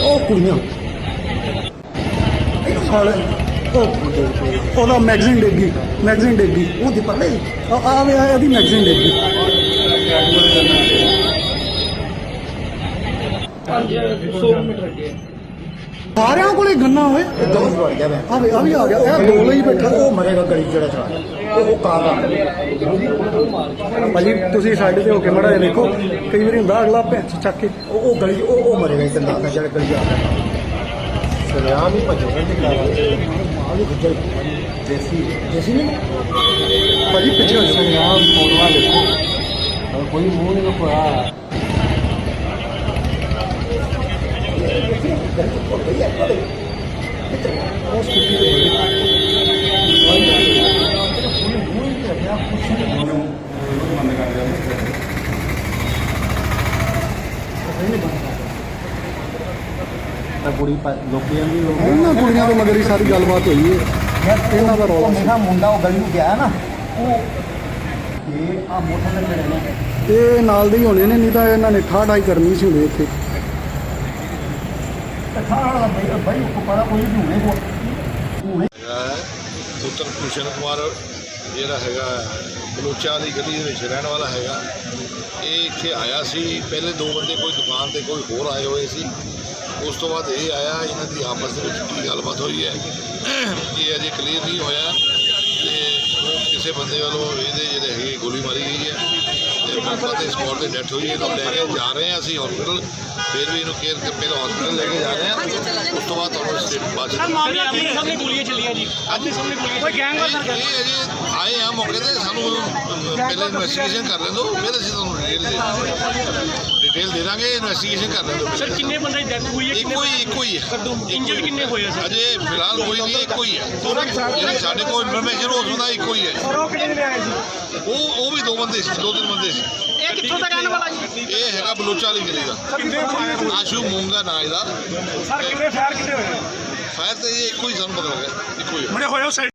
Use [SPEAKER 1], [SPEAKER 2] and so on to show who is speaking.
[SPEAKER 1] ਉਹ ਕੁੜੀਆਂ ਸਾਲੇ ਉਹਦਾ ਮੈਗਜ਼ੀਨ ਡੇਗੀ ਉਹਦੀ ਪਰਲੇ ਆਵੇ ਇਹਦੀ ਮੈਗਜ਼ੀਨ ਡੇਗੀ ਸਾਰਿਆਂ ਕੋਲੇ ਗੰਨਾ ਹੋਏ ਆ ਵੀ ਆ ਗਿਆ ਇਹ ਦੋ ਲਈ ਬੈਠਾ ਉਹ ਮਰੇਗਾ ਗਲੀ ਜਿਹੜਾ ਚਲਾ ਉਹ ਕਾਰ ਦਾ ਭਾਜੀ ਤੁਸੀਂ ਸਾਈਡ ਤੇ ਹੋ ਕੇ ਮੜਾ ਦੇਖੋ ਕਈ ਵਾਰੀ ਹੁੰਦਾ ਅਗਲਾ ਭੈਂਸ ਚੱਕ ਕੇ ਉਹ ਗਲੀ ਉਹ ਮਰੇਗਾ ਇੱਕ ਦਾ ਜਿਹੜਾ ਗਲੀ ਆ ਰਿਹਾ ਸਰਿਆਮ ਹੀ ਭੱਜੇਗਾ ਤੇ ਆ ਵੀ ਗੁੱਜਰ ਦੇਸੀ ਨਹੀਂ ਭਾਜੀ ਪਿੱਛੇ ਸਰਿਆਮ ਫੋਟੋਆਂ ਦੇਖੋ ਕੋਈ ਮੂੰਹ ਨਹੀਂ ਲੁਕਾਇਆ ਕੁੜੀ ਲੋਕੀ ਇਹਨਾਂ ਕੁੜੀਆਂ ਤੋਂ ਮਗਰ ਹੀ ਸਾਰੀ ਗੱਲਬਾਤ ਹੋਈ ਹੈ ਇਹਨਾਂ ਦਾ ਰੌਲਾ ਮੇਰਾ ਮੁੰਡਾ ਉਹ ਗਲੀ ਨੂੰ ਗਿਆ ਨਾ ਉਹ ਇਹ ਆ ਮੋਟਰ ਤੇ ਨੇ ਇਹ ਨਾਲ ਦੇ ਹੀ ਹੋਣੇ ਨੇ ਨਹੀਂ ਤਾਂ ਇਹਨਾਂ ਨੇ ਠਾਠਾਈ ਕਰਨੀ ਸੀ ਹੁੰਦੇ ਇੱਥੇ
[SPEAKER 2] ਪੁੱਤਰ ਭੂਸ਼ਣ ਕੁਮਾਰ ਜਿਹੜਾ ਹੈਗਾ ਬਲੋਚਾ ਦੀ ਗਲੀ ਦੇ ਵਿੱਚ ਰਹਿਣ ਵਾਲਾ ਹੈਗਾ ਇਹ ਇੱਥੇ ਆਇਆ ਸੀ ਪਹਿਲੇ ਦੋ ਬੰਦੇ ਕੋਈ ਦੁਕਾਨ ਤੇ ਕੋਈ ਹੋਰ ਆਏ ਹੋਏ ਸੀ ਉਸ ਤੋਂ ਬਾਅਦ ਇਹ ਆਇਆ ਇਹਨਾਂ ਦੀ ਆਪਸ ਦੇ ਵਿੱਚ ਕੀ ਗੱਲਬਾਤ ਹੋਈ ਹੈ ਇਹ ਅਜੇ ਕਲੀਅਰ ਨਹੀਂ ਹੋਇਆ ਤੇ ਕਿਸੇ ਬੰਦੇ ਵੱਲੋਂ ਇਹਦੇ ਜਿਹੜੇ ਹੈਗੇ ਗੋਲੀ ਮਾਰੀ ਗਈ ਹੈ ਤੇ ਮੌਕੇ ਤੇ ਸਪੌਟ ਤੇ ਡੈਥ ਹੋਈ ਹੈ ਇਹਨੂੰ ਲੈ ਕੇ ਜਾ ਰਹੇ ਹਾਂ ਅਸੀਂ ਹਸਪੀਟਲ ਫਿਰ ਵੀ ਇਹਨੂੰ ਕੇਅਰ ਕਰਕੇ ਹਸਪੀਟਲ ਲੈ ਕੇ ਜਾ ਰਹੇ ਹਾਂ ਉਸ ਤੋਂ ਬਾਅਦ ਤੁਹਾਨੂੰ ਸਟੇਟ ਬਾਅਦ
[SPEAKER 3] ਸਾਹਮਣੇ ਗੋਲੀਆਂ ਚੱਲੀਆਂ ਜੀ ਆਪਣੇ ਸਾਹਮਣੇ ਗੋਲੀਆਂ ਕੋਈ ਗੈਂਗ ਵਾਰ
[SPEAKER 2] ਇਹ ਅਜੇ ਆਏ ਆ ਮੌਕੇ ਤੇ ਸਾਨੂੰ ਪਹਿਲੇ ਇਨਵੈਸਟੀਗੇਸ਼ਨ ਕਰ ਲੈਣ ਦਿਓ ਫਿਰ ਅਸੀਂ ਤੁਹਾਨੂੰ ਡਿਟੇਲ ਦੇ ਦਾਂਗੇ ਇਨਵੈਸਟੀਗੇਸ਼ਨ ਕਰ ਲੈਣ ਦਿਓ
[SPEAKER 3] ਸਰ ਕਿੰਨੇ ਬੰਦੇ ਦੀ ਡੈਥ ਹੋਈ ਹੈ
[SPEAKER 2] ਇੱਕੋ ਹੀ ਹੈ
[SPEAKER 3] ਇੰਜਰਡ ਕਿੰਨੇ ਹੋਏ ਸਰ
[SPEAKER 2] ਅਜੇ ਫਿਲਹਾਲ ਕੋਈ ਨਹੀਂ ਇੱਕੋ ਹੀ ਹੈ ਜਿਹੜੀ ਸਾਡੇ ਕੋਲ ਇਨਫੋਰਮੇਸ਼ਨ ਹੋ ਸਕਦਾ ਇੱਕੋ ਹੀ ਹੈ
[SPEAKER 3] ਉਹ ਕਿੰਨੇ ਦਿਨ ਆਏ ਸੀ
[SPEAKER 2] ਉਹ ਵੀ ਦੋ ਬੰਦੇ ਸੀ ਦੋ ਤਿੰਨ ਬੰਦੇ ਸੀ
[SPEAKER 3] ਇਹ ਕਿੱਥੋਂ ਦਾ ਰਹਿਣ ਵਾਲਾ ਜੀ
[SPEAKER 2] ਇਹ ਹੈਗਾ ਬਲੋਚਾ ਵਾਲੀ ਗਲੀ ਦਾ
[SPEAKER 3] ਕਿੰਨੇ ਫਾਇਰ
[SPEAKER 2] ਆਸ਼ੂ ਮੂੰਗਾ ਨਾਂ ਇਹਦਾ
[SPEAKER 3] ਸਰ ਕਿੰਨੇ ਫਾਇਰ ਕਿੰਨੇ ਹੋਏ
[SPEAKER 2] ਫਾਇਰ ਤੇ ਇਹ ਇੱਕੋ ਹੀ ਸਾਨੂੰ ਪਤਾ ਲੱਗਿਆ ਇੱਕੋ ਹੀ
[SPEAKER 3] ਬੜੇ ਹੋਏ